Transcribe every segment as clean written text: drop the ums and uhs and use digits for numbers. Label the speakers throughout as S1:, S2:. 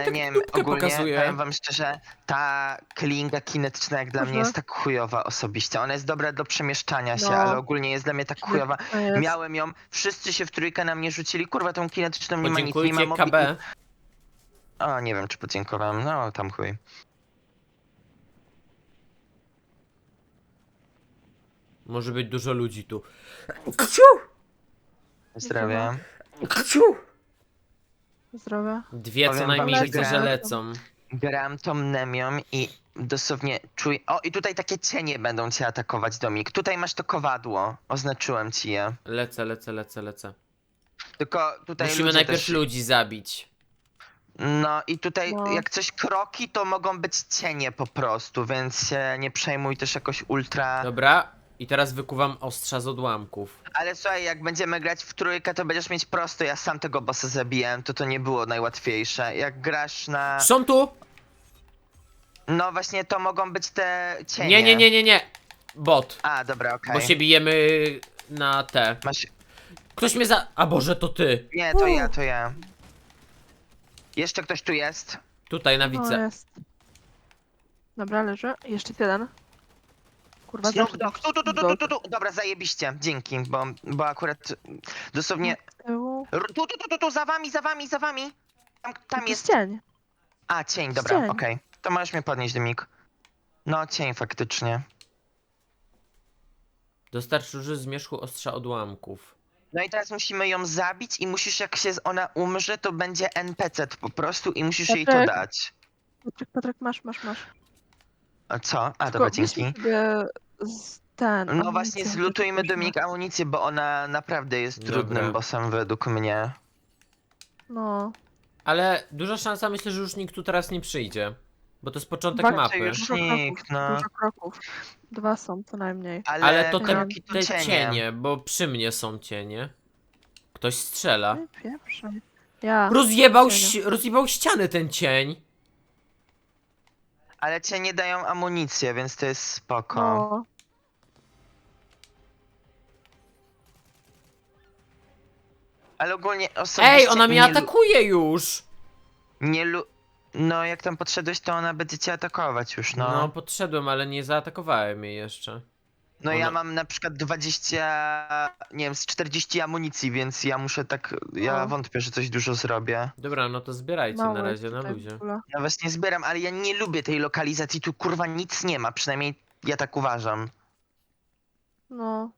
S1: tak
S2: nie wiem,
S1: dupkę
S2: ogólnie
S1: pokazuje.
S2: powiem wam szczerze, ta klinga kinetyczna jak dla mnie
S3: Może.
S2: jest tak chujowa osobiście. Ona jest dobra do przemieszczania się,
S3: No.
S2: ale ogólnie jest dla mnie tak chujowa.
S3: Kinetyka jest.
S2: Miałem ją, wszyscy się w trójkę na mnie rzucili, kurwa tą kinetyczną nie ma nic, nie ma
S1: Podziękujcie KB.
S2: O, nie wiem czy podziękowałem, no tam chuj.
S1: Może być dużo ludzi tu.
S2: Zdrowie.
S3: Zdrowie.
S1: Dwie co
S2: Powiem wam,
S1: najmniej
S2: że
S1: widzę, że
S2: grałem-
S1: lecą.
S2: Gram tą Nemią i dosłownie czuję... O, i tutaj takie cienie będą cię atakować, Domik. Tutaj masz to kowadło, oznaczyłem ci je.
S1: Lecę.
S2: Tylko tutaj
S1: Musimy
S2: ludzie
S1: najpierw
S2: też...
S1: ludzi zabić.
S2: No i tutaj
S3: No.
S2: jak coś kroki, to mogą być cienie po prostu, więc się nie przejmuj też jakoś ultra...
S1: Dobra. I teraz wykuwam ostrza z odłamków.
S2: Ale słuchaj, jak będziemy grać w trójkę, to będziesz mieć prosto. Ja sam tego bossa zabijałem, to nie było najłatwiejsze. Jak grasz na...
S1: Są tu!
S2: No właśnie, to mogą być te cienie.
S1: Nie. Bot.
S2: A, dobra, okej.
S1: Bo się bijemy na te.
S2: Masz...
S1: Ktoś mnie za... A Boże, to ty.
S2: Nie, to ja. Jeszcze ktoś tu jest?
S1: Tutaj na
S3: No
S1: widzę.
S3: jest. Dobra, leży. Jeszcze jeden. Kurwa,
S2: Snoop Dogg. Tu. Dobra, zajebiście. Dzięki, bo akurat dosłownie...
S3: Tyłu.
S2: Tu, za wami. Tam jest...
S3: cień.
S2: A, cień, dobra,
S3: Cień.
S2: okej. To możesz mnie podnieść, Dymik. No, cień faktycznie.
S1: Dostarcz róży zmierzchu ostrza odłamków.
S2: No i teraz musimy ją zabić i musisz, jak się ona umrze, to będzie NPC po prostu i musisz jej to
S3: Patryk.
S2: dać.
S3: Patryk, masz.
S2: A co? A,
S3: Tylko
S2: dobra,
S3: weź mi
S2: dzięki.
S3: sobie z ten.
S2: No
S3: amunicję,
S2: właśnie,
S3: żeby
S2: zlutujmy
S3: później-
S2: Dominik amunicję, bo ona naprawdę jest
S1: Dobra.
S2: trudnym bossem według mnie.
S3: No.
S1: Ale duża szansa, myślę, że już nikt tu teraz nie przyjdzie. Bo to jest początek
S3: Walczy
S1: mapy.
S2: już
S3: Dużo
S2: nikt, no.
S3: Dużo kroków. 2 są co najmniej.
S1: Ale to te,
S2: kroki to
S1: te cienie, bo przy mnie są cienie. Ktoś strzela.
S3: Nie pieprzaj. Ja.
S1: Rozjebał ściany ten cień.
S2: Ale cię nie dają amunicję, więc to jest spoko.
S3: No.
S2: Ale ogólnie osobiście
S1: Ej, ona mnie
S2: nie
S1: atakuje już!
S2: No jak tam podszedłeś, to ona będzie cię atakować już, no.
S1: No, podszedłem, ale nie zaatakowałem jej jeszcze.
S2: No ja
S1: Ona-
S2: mam na przykład 20, nie wiem, z 40 amunicji, więc ja muszę tak, ja
S3: No.
S2: wątpię, że coś dużo zrobię.
S1: Dobra, no to zbierajcie
S3: Mało
S1: na
S3: jest
S1: razie, na
S3: tutaj w
S1: luzie.
S3: ogóle.
S2: Ja właśnie zbieram, ale ja nie lubię tej lokalizacji, tu kurwa nic nie ma, przynajmniej ja tak uważam.
S3: No.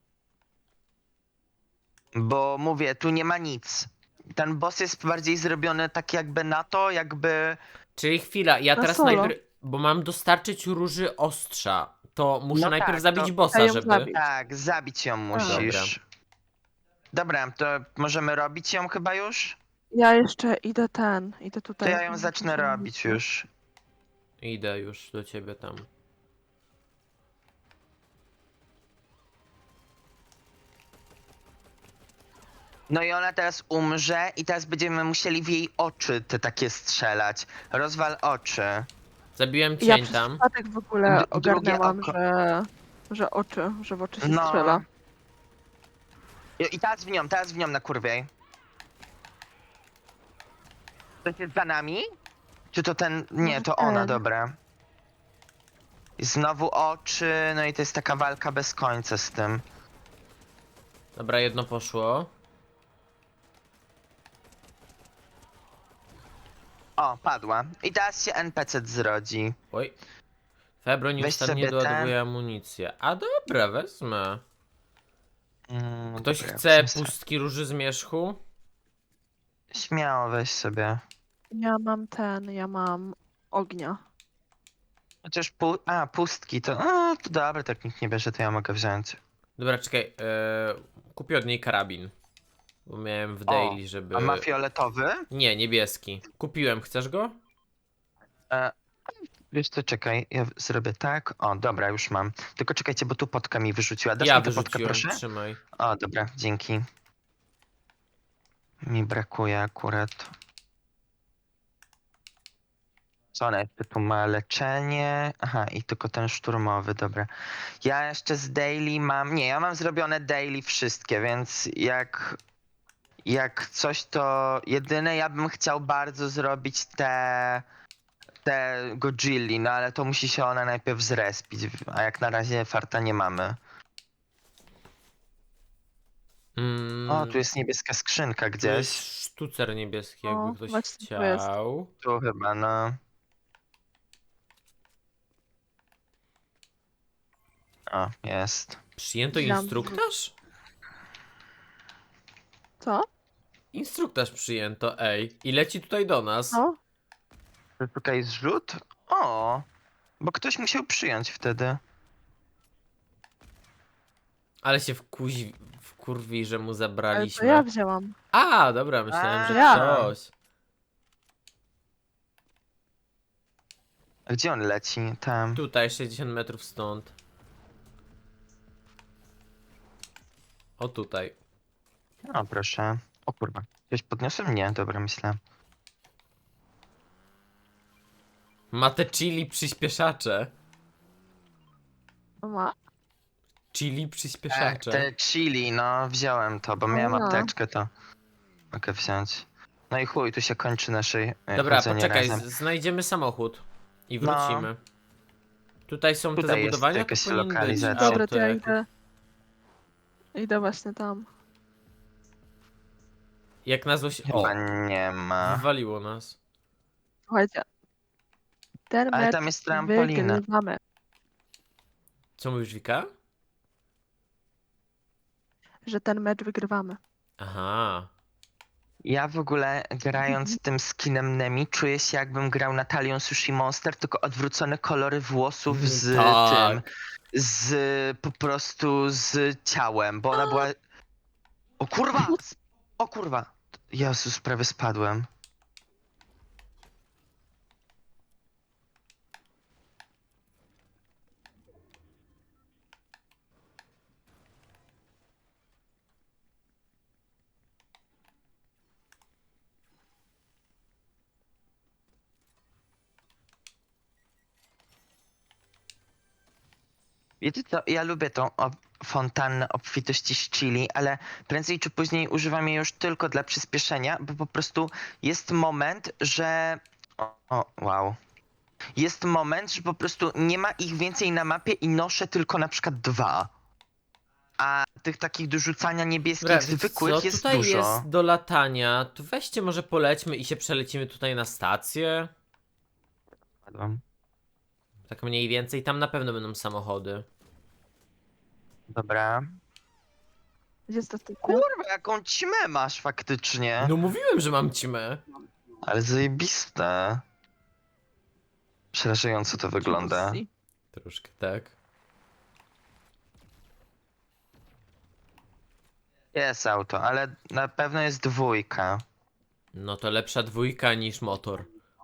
S2: Bo mówię, tu nie ma nic. Ten boss jest bardziej zrobiony tak jakby na to, jakby...
S1: Czyli chwila, ja
S3: Na
S1: teraz
S3: solo.
S1: najpierw... Bo mam dostarczyć róży ostrza. To muszę
S2: No
S1: najpierw
S2: tak,
S1: zabić
S2: to-
S1: bossa,
S3: Trzeba ją
S1: żeby...
S3: zabić.
S2: Tak, zabić ją musisz. Dobra, to możemy robić ją chyba już?
S3: Ja jeszcze idę
S2: To
S3: tutaj.
S2: ja ją zacznę robić już.
S1: Idę już do ciebie tam.
S2: No i ona teraz umrze i teraz będziemy musieli w jej oczy te takie strzelać. Rozwal oczy.
S1: Zabiłem
S3: Ja
S1: cień
S3: przez
S1: tam.
S3: przypadek w ogóle
S2: Drugie
S3: ogarnęłam,
S2: oko.
S3: że w oczy się
S2: No.
S3: strzela.
S2: I teraz w nią na kurwiej. To jest za nami? Czy to ten... Nie,
S3: Może
S2: to ona,
S3: ten.
S2: dobra. I znowu oczy, no i to jest taka walka bez końca z tym.
S1: Dobra, jedno poszło.
S2: O, padła. I teraz się NPC zrodzi.
S1: Oj. Febro
S2: Weź
S1: nieustannie
S2: sobie
S1: doładowuje amunicję. A dobra, wezmę. Ktoś
S2: Dobra,
S1: chce
S2: wezmę
S1: pustki róży zmierzchu?
S2: Śmiało weź sobie.
S3: Ja mam ognia.
S2: Chociaż pustki to... to dobra, tak nikt nie bierze, to ja mogę wziąć.
S1: Dobra, czekaj. Kupię od niej karabin. Bo miałem w daily, żeby...
S2: A ma fioletowy?
S1: Nie, niebieski. Kupiłem, chcesz go?
S2: Wiesz co, czekaj, ja zrobię tak. O, dobra, już mam. Tylko czekajcie, bo tu potka mi wyrzuciła. Dasz
S1: Ja
S2: mi tę potkę,
S1: wyrzuciłem,
S2: proszę?
S1: trzymaj.
S2: O, dobra, dzięki. Mi brakuje akurat. Co ona jeszcze tu ma? Leczenie. Aha, i tylko ten szturmowy, dobra. Ja jeszcze z daily mam... Nie, ja mam zrobione daily wszystkie, więc jak... Jak coś, to jedyne ja bym chciał bardzo zrobić te Godzilli, no ale to musi się ona najpierw zrespić, a jak na razie farta nie mamy. O, tu jest niebieska skrzynka
S1: Tu jest
S2: gdzieś.
S1: sztucer niebieski,
S3: O,
S1: jakby ktoś
S3: właśnie tu jest.
S1: chciał.
S2: Tu chyba, no. O, jest.
S1: Przyjęto
S3: Wziąłam
S1: instruktaż?
S3: Co?
S1: Instruktaż przyjęto, ej. I leci tutaj do nas.
S3: No?
S2: Tutaj zrzut? O, bo ktoś musiał przyjąć wtedy.
S1: Ale się wkurwi, że mu
S3: Ale to
S1: zabraliśmy.
S3: ja wzięłam.
S1: A, dobra, myślałem, że
S3: Ja.
S1: ktoś.
S2: A gdzie on leci? Tam.
S1: Tutaj, 60 metrów stąd. O tutaj.
S2: O, proszę. O kurwa. Ktoś podniosłem? Nie, dobra, myślę.
S1: Ma te chili przyspieszacze.
S3: Ma.
S1: Chili przyspieszacze.
S2: Te chili, no, wziąłem to, bo miałem
S3: A.
S2: apteczkę, to mogę wziąć. No i chuj, tu się kończy naszej
S1: Dobra,
S2: chodzenie
S1: poczekaj,
S2: razem.
S1: znajdziemy samochód. I
S2: No.
S1: wrócimy. Tutaj są te
S2: Tutaj jest
S1: zabudowania, to
S2: jakaś
S1: powinien być
S2: lokalizacja.
S3: Dobra, to ja
S1: auto
S3: idę. Idę właśnie tam.
S1: Jak na złość... O,
S2: Chyba nie ma.
S1: wywaliło nas.
S3: Słuchajcie. Ten
S2: Ale
S3: mecz
S2: tam jest trampolina.
S3: wygrywamy.
S1: Co mówisz, Wika?
S3: Że ten mecz wygrywamy.
S1: Aha.
S2: Ja w ogóle grając tym skinem Nemi czuję się jakbym grał Natalią Sushi Monster, tylko odwrócone kolory włosów z
S1: Tak.
S2: tym. Po prostu z ciałem, bo ona była... O kurwa! O kurwa! Jezus, prawie spadłem. Wiecie co, ja lubię tą fontannę obfitości z chili, ale prędzej czy później używam jej już tylko dla przyspieszenia, bo po prostu jest moment, że... wow. Jest moment, że po prostu nie ma ich więcej na mapie i noszę tylko na przykład 2. A tych takich do rzucania niebieskich,
S1: Dobra, wiecie
S2: zwykłych
S1: co?
S2: jest
S1: Tutaj
S2: dużo.
S1: jest do latania. To weźcie, może polećmy i się przelecimy tutaj na stację.
S2: Spadłem.
S1: Tak mniej więcej. Tam na pewno będą samochody.
S2: Dobra.
S3: Gdzie jest to typy?
S2: Kurwa, jaką ćmę masz faktycznie.
S1: No mówiłem, że mam cimę.
S2: Ale zajebiste. Przerażająco to wygląda.
S1: Troszkę tak.
S2: Jest auto, ale na pewno jest 2.
S1: No to lepsza dwójka niż motor.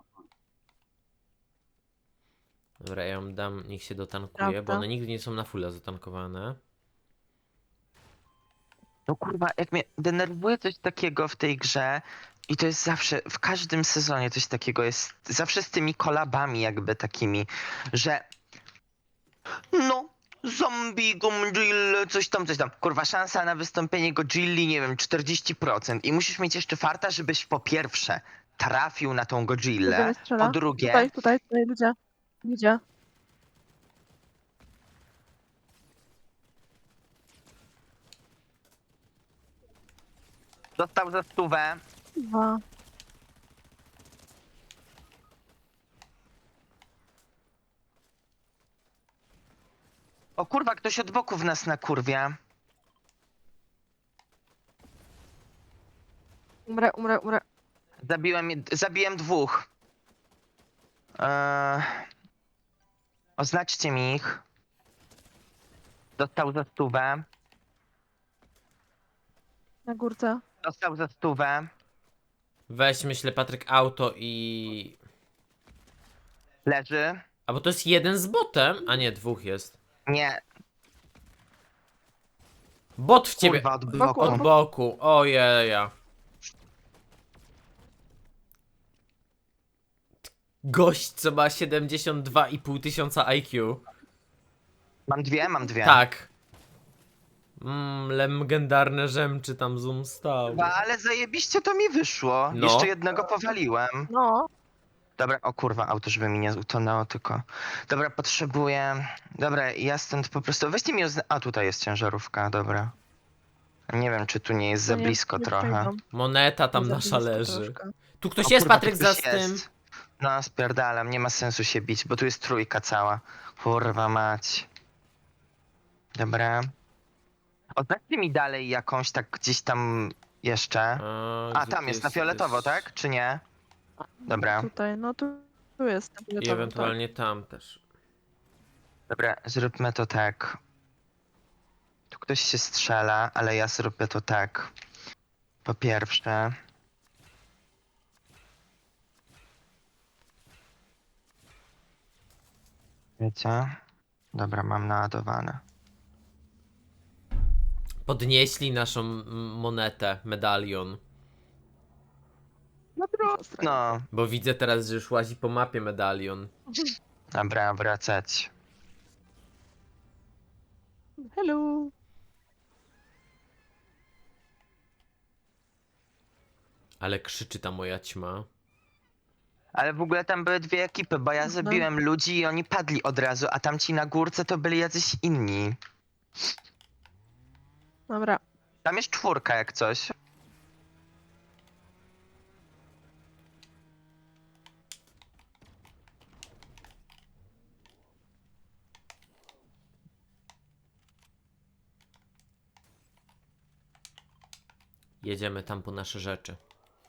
S1: Dobra, ja ją dam, niech się dotankuje, bo
S3: Prawda.
S1: one nigdy nie są na fulla zatankowane.
S2: No kurwa, jak mnie denerwuje coś takiego w tej grze i to jest zawsze, w każdym sezonie coś takiego jest, zawsze z tymi kolabami jakby takimi, że no, zombie, Godzilla, coś tam, coś tam. Kurwa, szansa na wystąpienie Godzilli, nie wiem, 40%. I musisz mieć jeszcze farta, żebyś po pierwsze trafił na tą Godzillę,
S3: Będziemy
S2: po
S3: strzela.
S2: drugie...
S3: Tutaj ludzie. Ludzie.
S2: Dostał za 100.
S3: 2.
S2: O kurwa, ktoś od boku w nas nakurwia.
S3: Umrę.
S2: Zabiłem 2. Oznaczcie mi ich. Dostał za 100.
S3: Na górce.
S2: Dostał za 100.
S1: Weź, myślę, Patryk, auto i...
S2: Leży.
S1: A bo to jest jeden z botem? A nie, dwóch jest.
S2: Nie,
S1: Bot w ciebie!
S2: kurwa, od
S3: Boku,
S2: boku.
S1: Od boku, ojeja. Gość, co ma 72,5 tysiąca IQ.
S2: Mam 2.
S1: Tak. Legendarne rzemczy tam zoom stał.
S2: Ale zajebiście to mi wyszło.
S1: No.
S2: Jeszcze jednego powaliłem.
S3: No,
S2: Dobra, o kurwa, auto, żeby mi nie utonęło tylko. Dobra, potrzebuję... Dobra, ja stąd po prostu... Weźcie mi... A, tutaj jest ciężarówka, dobra. Nie wiem, czy tu nie jest za
S3: to nie-
S2: blisko
S3: nie
S2: trochę.
S3: przejdą.
S1: Moneta tam
S3: Za
S1: nasza
S3: blisko
S1: leży.
S3: troszkę.
S1: Tu ktoś
S2: O
S1: jest,
S2: kurwa,
S1: Patryk,
S2: tu
S1: za
S2: ktoś
S1: tym.
S2: jest. No, spierdalam, nie ma sensu się bić, bo tu jest trójka cała. Kurwa mać. Dobra. Oznaczcie mi dalej jakąś tak gdzieś tam jeszcze. A,
S1: gdzie
S2: tam
S1: ty
S2: jest na fioletowo, tak? Czy nie? Dobra.
S3: Tutaj, no tu jest. na
S1: I
S3: fioletowo,
S1: ewentualnie tam też.
S2: Dobra, zróbmy to tak. Tu ktoś się strzela, ale ja zrobię to tak. Po pierwsze... Wiecie? Dobra, mam naładowane.
S1: Podnieśli naszą monetę, medalion.
S3: Tak.
S2: No,
S1: Bo widzę teraz, że już łazi po mapie medalion.
S2: dobra, wracać.
S3: Hello.
S1: Ale krzyczy ta moja ćma.
S2: Ale w ogóle tam były dwie ekipy, bo ja
S3: Mhm.
S2: zabiłem ludzi i oni padli od razu, a tamci na górce to byli jacyś inni.
S3: Dobra.
S2: Tam jest czwórka jak coś.
S1: Jedziemy tam po nasze rzeczy.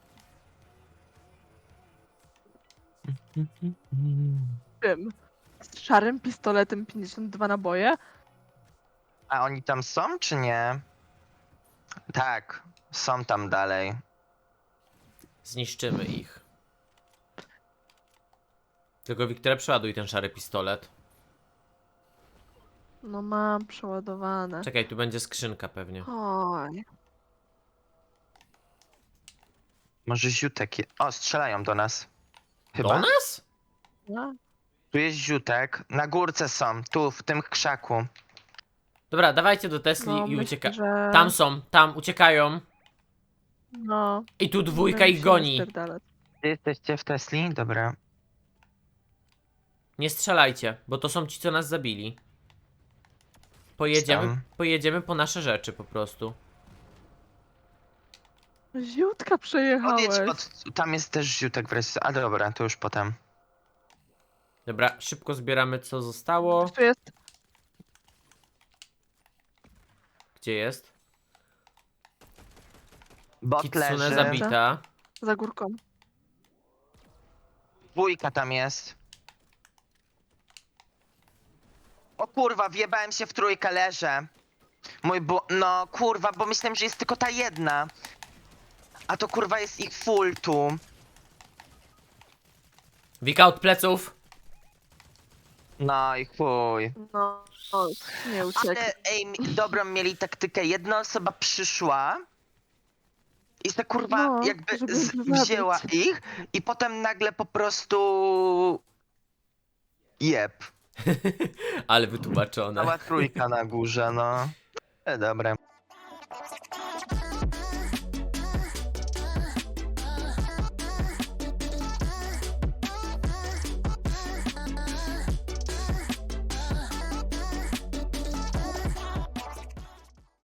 S3: Czym? Z szarym pistoletem 52 naboje?
S2: A oni tam są, czy nie? Tak, są tam dalej.
S1: Zniszczymy ich. Tylko Wiktoria, przeładuj ten szary pistolet.
S3: No mam przeładowane.
S1: Czekaj, tu będzie skrzynka pewnie.
S3: Oj.
S2: Może ziutek je... O, strzelają do nas. Chyba.
S1: Do nas?
S3: No.
S2: Tu jest ziutek. Na górce są, tu, w tym krzaku.
S1: Dobra, dawajcie do Tesli
S3: No,
S1: i
S3: myślę,
S1: ucieka.
S3: że...
S1: Tam są, tam uciekają.
S3: No.
S1: I tu dwójka
S3: będę
S1: ich
S3: się
S1: goni.
S3: rozpierdalać.
S2: Gdzie jesteście w Tesli? Dobra.
S1: Nie strzelajcie, bo to są ci, co nas zabili.
S2: Tam.
S1: Pojedziemy po nasze rzeczy po prostu.
S3: Ziutka przejechałeś.
S2: Podjedź pod... Tam jest też ziutek wreszcie. A dobra, to już potem.
S1: Dobra, szybko zbieramy co zostało.
S3: Tu jest.
S1: Gdzie jest?
S2: Bot
S1: Kitsune
S2: leży.
S1: zabita.
S3: Za górką.
S2: Dwójka tam jest. O kurwa, wjebałem się w trójkę, leżę. No kurwa, bo myślałem, że jest tylko ta jedna. A to kurwa jest ich full tu.
S1: Wika od pleców.
S2: No i chuj.
S3: No. O, nie uciekł.
S2: Ale ej, dobrą mieli taktykę. Jedna osoba przyszła i ta kurwa
S3: No,
S2: jakby
S3: żeby ich zabić.
S2: wzięła ich i potem nagle po prostu... Jeb.
S1: Ale wytłumaczone.
S2: Cała trójka na górze, no. Dobra.